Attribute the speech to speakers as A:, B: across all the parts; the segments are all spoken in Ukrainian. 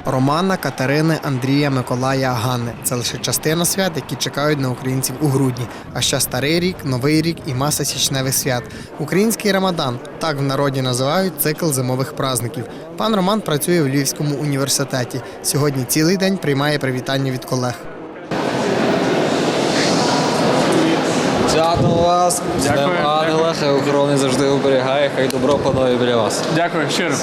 A: Романа, Катерини, Андрія, Миколая, Ганни – це лише частина свят, які чекають на українців у грудні. А ще Старий рік, Новий рік і маса січневих свят. Український Рамадан – так в народі називають цикл зимових праздників. Пан Роман працює в Львівському університеті. Сьогодні цілий день приймає привітання від колег.
B: Свято вас, з Днем Ангела, хай охорони завжди оберігає, хай добро панує біля вас.
C: Дякую, щиро.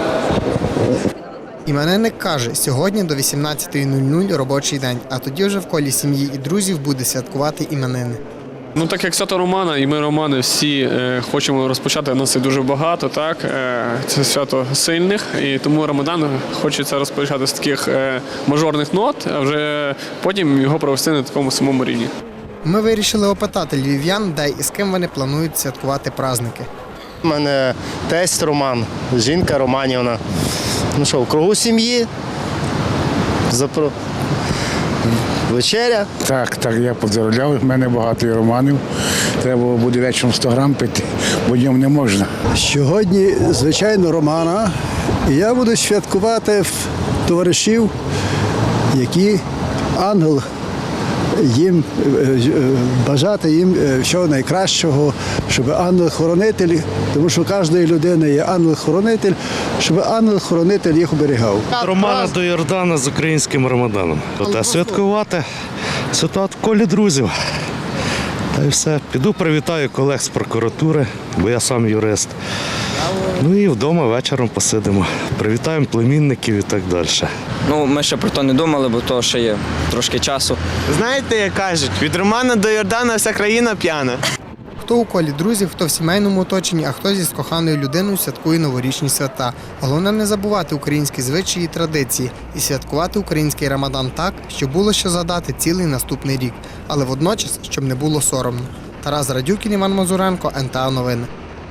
A: Іменинник каже, сьогодні до 18:00 робочий день, а тоді вже в колі сім'ї і друзів буде святкувати іменини.
C: Ну, так як свято Романа, і ми, Романи, всі хочемо розпочати, нас і дуже багато, так? Це свято сильних, і тому Рамадан хочеться розпочати з таких мажорних нот, а вже потім його провести на такому самому рівні.
A: Ми вирішили опитати львів'ян, де і з ким вони планують святкувати праздники.
D: У мене тесть Роман, жінка Романівна. Ну що, в кругу сім'ї, вечеря.
E: Так, я поздравляв, в мене багато і романів. Треба буде вечором 100 грам пити, бо днем не можна.
F: Сьогодні, звичайно, Романа. І я буду святкувати в товаришів, які ангел їм, бажати їм всього найкращого, щоб ангел-хоронитель, тому що у кожної людини є ангел-хоронитель, щоб ангел-хоронитель їх оберігав.
G: Романа до Йордана з українським Рамаданом. А святкувати в колі друзів. Та й все. Піду привітаю колег з прокуратури, бо я сам юрист. Ну і вдома вечором посидимо. Привітаємо племінників і так далі.
B: Ну, ми ще про то не думали, бо то ще є трошки часу.
H: Знаєте, як кажуть, від Романа до Йордана вся країна п'яна.
A: Хто у колі друзів, хто в сімейному оточенні, а хто зі з коханою людиною святкує новорічні свята. Головне не забувати українські звичаї і традиції і святкувати український Рамадан так, щоб було що згадати цілий наступний рік. Але водночас, щоб не було соромно. Тарас Радюкін, Іван Мазуренко, НТА Новини.